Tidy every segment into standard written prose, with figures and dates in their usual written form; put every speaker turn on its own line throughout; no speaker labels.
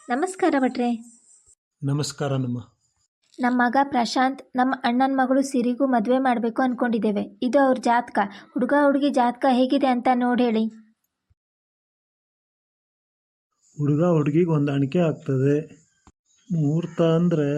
ನಮಸ್ಕಾರ ಭಟ್ರೆ.
ನಮಸ್ಕಾರ ನಮ್ಮ
ಮಗ ಪ್ರಶಾಂತ್ ನಮ್ಮ ಅಣ್ಣನ ಮಗಳು ಸಿರಿಗೂ ಮದುವೆ ಮಾಡಬೇಕು ಅಂದ್ಕೊಂಡಿದ್ದೇವೆ. ಇದು ಅವ್ರ ಜಾತಕ. ಹುಡುಗ ಹುಡುಗಿ ಜಾತಕ ಹೇಗಿದೆ ಅಂತ ನೋಡಿ ಹೇಳಿ.
ಹುಡುಗ ಹುಡುಗಿಗೆ ಹೊಂದಾಣಿಕೆ ಆಗ್ತದೆ. ಮುಹೂರ್ತ ಅಂದರೆ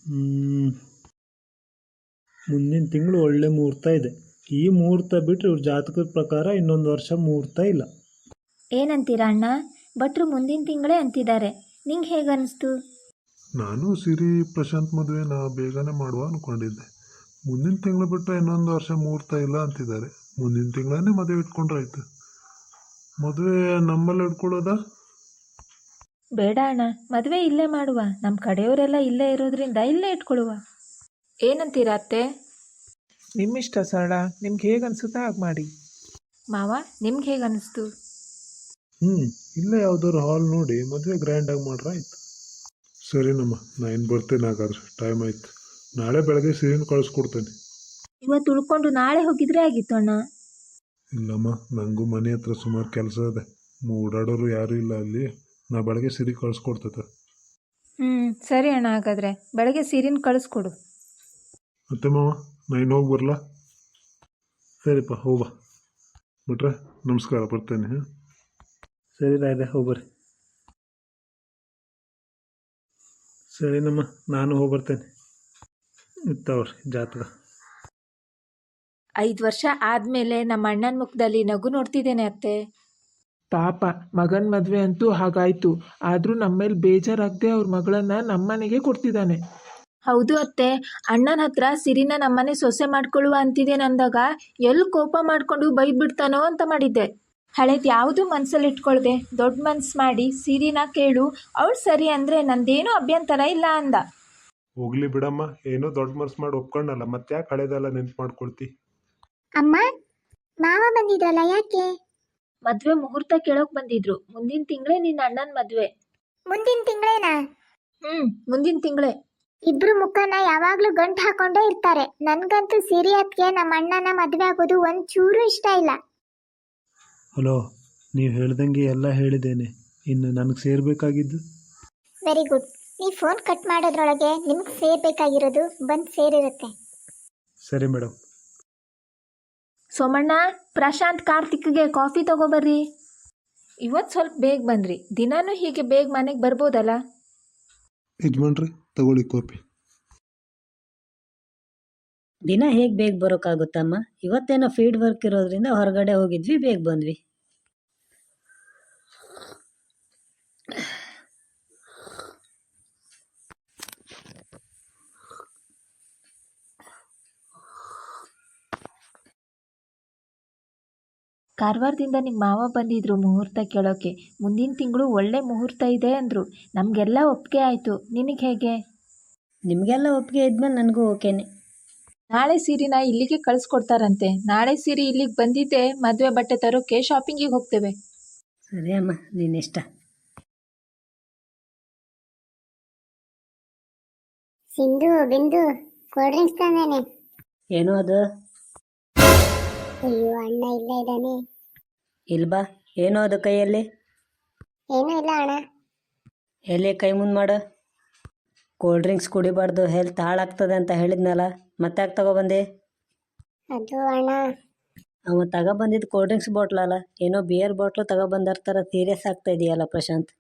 ಮುಂದಿನ ತಿಂಗಳು ಒಳ್ಳೆ ಮುಹೂರ್ತ ಇದೆ. ಈ ಮುಹೂರ್ತ ಬಿಟ್ಟರೆ ಇವ್ರ ಜಾತಕದ ಪ್ರಕಾರ ಇನ್ನೊಂದು ವರ್ಷ ಮುಹೂರ್ತ ಇಲ್ಲ.
ಏನಂತೀರಾ ಅಣ್ಣ? ಭಟ್ರು ಮುಂದಿನ ತಿಂಗಳೇ ಅಂತಿದ್ದಾರೆ. ನಿಂಗೆ ಹೇಗೆ ಅನಿಸ್ತು?
ನಾನು ಸಿರಿ ಪ್ರಶಾಂತ್ ಮದುವೆನ ಬೇಗನೆ ಮಾಡುವ ಅಂದ್ಕೊಂಡಿದ್ದೆ. ಮುಂದಿನ ತಿಂಗಳು ಬಿಟ್ಟರೆ ಇನ್ನೊಂದು ವರ್ಷ ಮುಹೂರ್ತ ಇಲ್ಲ ಅಂತಿದ್ದಾರೆ. ಮುಂದಿನ ತಿಂಗಳೇ ಮದುವೆ ಇಟ್ಕೊಂಡ್ರಾಯ್ತು. ಮದುವೆ ನಮ್ಮಲ್ಲಿ ಇಟ್ಕೊಳ್ಳೋದಾ?
ಬೇಡ ಅಣ್ಣ, ಮದುವೆ ಇಲ್ಲೇ ಮಾಡುವ. ನಮ್ಮ ಕಡೆಯವರೆಲ್ಲ ಇಲ್ಲೇ ಇರೋದ್ರಿಂದ ಇಲ್ಲೇ ಇಟ್ಕೊಳ್ಳುವ. ಏನಂತೀರಾ ಅತ್ತೆ?
ನಿಮ್ಮಿಷ್ಟ ಸರಳ, ನಿಮ್ಗೆ ಹೇಗೆ ಅನಿಸುತ್ತೆ ಹಾಗೆ ಮಾಡಿ.
ಮಾವ, ನಿಮ್ಗೆ ಹೇಗೆ ಅನಿಸ್ತು?
ಇಲ್ಲೇ ಯಾವ್ದಾದ್ರು ಹಾಲ್ ನೋಡಿ ಮದುವೆ ಗ್ರ್ಯಾಂಡಾಗಿ ಮಾಡ್ರೆ ಆಯ್ತು. ಸರಿನಮ್ಮ, ನಾನು ಬರ್ತೇನೆ. ಹಾಗಾದ್ರೆ ಟೈಮ್ ಆಯ್ತು. ನಾಳೆ ಬೆಳಗ್ಗೆ ಸಿರಿನ ಕಳಿಸ್ಕೊಡ್ತೇನೆ.
ಇವತ್ತು ಉಳ್ಕೊಂಡು ನಾಳೆ ಹೋಗಿದ್ರೆ ಆಗಿತ್ತು ಅಣ್ಣ.
ಇಲ್ಲಮ್ಮ, ನನಗೂ ಮನೆ ಹತ್ರ ಸುಮಾರು ಕೆಲಸ ಇದೆ. ಓಡಾಡೋರು ಯಾರೂ ಇಲ್ಲ ಅಲ್ಲಿ. ನಾ ಬೆಳಗ್ಗೆ ಸಿರಿ ಕಳಿಸ್ಕೊಡ್ತೈತೆ.
ಸರಿ ಅಣ್ಣ, ಹಾಗಾದರೆ ಬೆಳಗ್ಗೆ ಸೀರಿನ ಕಳಿಸ್ಕೊಡು.
ಮತ್ತೆ ಮಾವ, ನಾನು ಹೋಗಿ ಬರಲಾ? ಸರಿಪ್ಪ, ಹೋಗ್ಬಾ. ಬಿಟ್ರೆ ನಮಸ್ಕಾರ, ಬರ್ತೇನೆ.
ಸರಿ ರಾಯ್ದೆ, ಹೋಗ್ಬರ್ರಿ. ಸರಿ ನಮ್ಮ, ನಾನು ಹೋಗ್ಬರ್ತೇನೆ. ಇತ್ತವ್ರಿ ಜಾತಕ.
5 ವರ್ಷ ಆದಮೇಲೆ ನಮ್ಮ ಅಣ್ಣನ ಮುಖದಲ್ಲಿ ನಗು ನೋಡ್ತಿದ್ದೇನೆ ಅತ್ತೆ.
ಪಾಪ, ಮಗನ ಮದುವೆ ಅಂತೂ ಹಾಗಾಯಿತು. ಆದರೂ ನಮ್ಮ ಮೇಲೆ ಬೇಜಾರಾಗದೆ ಅವ್ರ ಮಗಳನ್ನು ನಮ್ಮನೆಗೆ ಕೊಡ್ತಿದ್ದಾನೆ.
ಹೌದು ಅತ್ತೆ, ಅಣ್ಣನ ಹತ್ರ ಸಿರಿನ ನಮ್ಮನೆ ಸೊಸೆ ಮಾಡ್ಕೊಳ್ಳುವ ಅಂತಿದ್ದೇನೆ ಅಂದಾಗ ಎಲ್ಲಿ ಕೋಪ ಮಾಡಿಕೊಂಡು ಬೈದ್ಬಿಡ್ತಾನೋ ಅಂತ ಮಾಡಿದ್ದೆ. ಹಳೇದು ಯಾವುದು ಮನಸ್ಸಲ್ಲಿ ಇಟ್ಕೊಳ್ದೆ ದೊಡ್ಡ ಮನಸ್ಸು ಮಾಡಿ ಸಿರಿನ ಕೇಳು, ಅವಳು ಸರಿ ಅಂದರೆ ನಂದೇನೂ ಅಭ್ಯಂತರ ಇಲ್ಲ ಅಂದ.
ಹೋಗ್ಲಿ ಬಿಡಮ್ಮ, ಏನೋ ದೊಡ್ಡ ಮನಸ್ಸು ಮಾಡಿ ಒಪ್ಕೊಂಡಲ್ಲ, ಮತ್ತೆ ಯಾಕೆ ಹಳೇದೆಲ್ಲ ನೆನ್ಪು ಮಾಡ್ಕೊಳ್ತಿ?
ಅಮ್ಮ, ಮಾವ ಬಂದಿದ್ರಲ್ಲ, ಯಾಕೆ?
ಮದುವೆ ಮುಹೂರ್ತ ಕೇಳೋಕೆ ಬಂದಿದ್ರು. ಮುಂದಿನ ತಿಂಗಳೇ ನಿನ್ನ ಅಣ್ಣನ ಮದುವೆ.
ಮುಂದಿನ ತಿಂಗಳೇನಾ?
ಮುಂದಿನ ತಿಂಗಳೇ.
ಇಬ್ರು ಮುಖನ ಯಾವಾಗ್ಲೂ ಗಂಟು ಹಾಕೊಂಡೇ ಇರ್ತಾರೆ. ನನ್ಗಂತೂ ಸಿರಿ ಅತ್ಗೆ ನಮ್ಮ ಅಣ್ಣನ ಮದುವೆ ಆಗೋದು ಒಂಚೂರು ಇಷ್ಟ ಇಲ್ಲ.
ಹಲೋ, ನೀವು ಹೇಳ್ದಂಗೆ ಎಲ್ಲ ಹೇಳಿದ್ದೇನೆ. ಇನ್ನು ನನಗೆ ಸೇರಬೇಕಾಗಿದ್ದು.
Very good. ನೀವು ಫೋನ್ ಕಟ್ ಮಾಡೋದ್ರೊಳಗೆ ನಿಮ್ಗೆ ಸೇರ್ಬೇಕಾಗಿರೋದು ಬಂದು ಸೇರಿರುತ್ತೆ.
ಸರಿ ಮೇಡಮ್.
ಸೋಮಣ್ಣ, ಪ್ರಶಾಂತ್ ಕಾರ್ತಿಕ್ಗೆ ಕಾಫಿ ತಗೋಬರ್ರಿ. ಇವತ್ತು ಸ್ವಲ್ಪ ಬೇಗ ಬಂದ್ರಿ. ದಿನಾನೂ ಹೀಗೆ ಬೇಗ ಮನೆಗೆ ಬರ್ಬೋದಲ್ಲ?
ಯಜಮಾನ್ರಿ, ತಗೊಳ್ಳಿ ಕಾಫಿ.
ದಿನ ಹೇಗೆ ಬೇಗ ಬರೋಕ್ಕಾಗುತ್ತಮ್ಮ? ಇವತ್ತೇನೋ ಫೀಲ್ಡ್ ವರ್ಕ್ ಇರೋದ್ರಿಂದ ಹೊರಗಡೆ ಹೋಗಿದ್ವಿ, ಬೇಗ ಬಂದ್ವಿ.
ಕಾರವಾರದಿಂದ ನಿಮ್ಮ ಮಾವ ಬಂದಿದ್ರು ಮುಹೂರ್ತ ಕೇಳೋಕೆ. ಮುಂದಿನ ತಿಂಗಳು ಒಳ್ಳೆ ಮುಹೂರ್ತ ಇದೆ ಅಂದರು. ನಮಗೆಲ್ಲ ಒಪ್ಪಿಗೆ ಆಯಿತು. ನಿನಗೆ ಹೇಗೆ?
ನಿಮಗೆಲ್ಲ ಒಪ್ಪಿಗೆ ಇದ್ಮೇಲೆ ನನಗೂ ಓಕೆನೆ.
ನಾಳೆ ಸೀರೆನ ಇಲ್ಲಿಗೆ ಕಳಿಸ್ಕೊಡ್ತಾರಂತೆ. ನಾಳೆ ಸೀರೆ ಇಲ್ಲಿಗೆ ಬಂದಿದ್ದೆ ಮದುವೆ ಬಟ್ಟೆ ತರೋಕೆ ಶಾಪಿಂಗಿಗೆ ಹೋಗ್ತೇವೆ.
ಸರಿ ಅಮ್ಮ, ನೀನಿಷ್ಟ.
ಸಿಂಧು, ಬಿಂದು, ಕೋಲ್ಡ್ ಡ್ರಿಂಕ್ಸ್ ತಂದೇನೆ.
ಏನೋ ಅದು?
ಅಯ್ಯೋ, ಅಣ್ಣ ಇಲ್ಲೇ ಇದ್ದಾನೆ.
ಇಲ್ಬಾ. ಏನೋ ಅದು ಕೈಯಲ್ಲಿ?
ಏನೂ ಇಲ್ಲ ಅಣ್ಣ.
ಎಲ್ಲಿ ಕೈ ಮುಂದೆ ಮಾಡು. ಕೋಲ್ಡ್ ಡ್ರಿಂಕ್ಸ್ ಕುಡಿಬಾರ್ದು, ಹೆಲ್ತ್ ಹಾಳಾಗ್ತದೆ ಅಂತ ಹೇಳಿದ್ನಲ್ಲ, ಮತ್ತೆ ಯಾಕೆ ತಗೊಬಂದೆ?
ಅದು ಅಣ್ಣ,
ಅವ ತಗೊಬಂದಿದ್ದು ಕೋಲ್ಡ್ ಡ್ರಿಂಕ್ಸ್ ಬಾಟ್ಲಲ್ಲ, ಏನೋ ಬಿಯರ್ ಬಾಟ್ಲು ತಗೊಬಂದರ ಥರ ಸೀರಿಯಸ್ ಆಗ್ತಾ ಇದೆಯಲ್ಲ ಪ್ರಶಾಂತ್.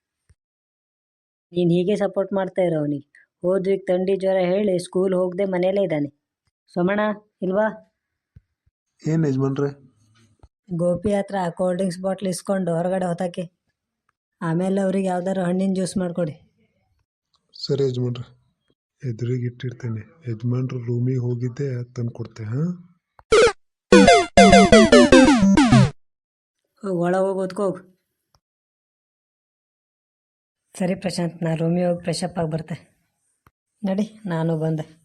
ನೀನು ಹೀಗೆ ಸಪೋರ್ಟ್ ಮಾಡ್ತಾ ಇರೋ ಅವನಿಗೆ. ಹೋದ ವೀಕ್ ಥಂಡಿ ಜ್ವರ ಹೇಳಿ ಸ್ಕೂಲ್ ಹೋಗದೆ ಮನೇಲೇ ಇದ್ದಾನೆ. ಸೋಮಣ್ಣ, ಇಲ್ವಾ?
ಏನು ಯಜಮಾನ್ರೆ?
ಗೋಪಿ ಹತ್ರ ಕೋಲ್ಡ್ ಡ್ರಿಂಕ್ಸ್ ಬಾಟ್ಲ್ ಇಸ್ಕೊಂಡು ಹೊರಗಡೆ ಹೊತ್ತಾಕೆ. ಆಮೇಲೆ ಅವ್ರಿಗೆ ಯಾವ್ದಾದ್ರು ಹಣ್ಣಿನ ಜ್ಯೂಸ್ ಮಾಡಿಕೊಡಿ.
ಸರಿ ಯಜಮಾನ್ರೆ, ಎದುರಿಗೆ ಇಟ್ಟಿರ್ತೇನೆ. ಯಜಮಾನ್ರು ರೂಮಿಗೆ ಹೋಗಿದ್ದೆ, ತಂದು ಕೊಡ್ತೆ.
ಒಳ ಹೋಗಿ ಓದ್ಕೋಗು. ಸರಿ ಪ್ರಶಾಂತ್, ನಾನು ರೂಮಿಗೆ ಹೋಗಿ ಫ್ರೆಶಪ್ ಆಗಿ ಬರ್ತೆ. ನಡಿ, ನಾನು ಬಂದೆ.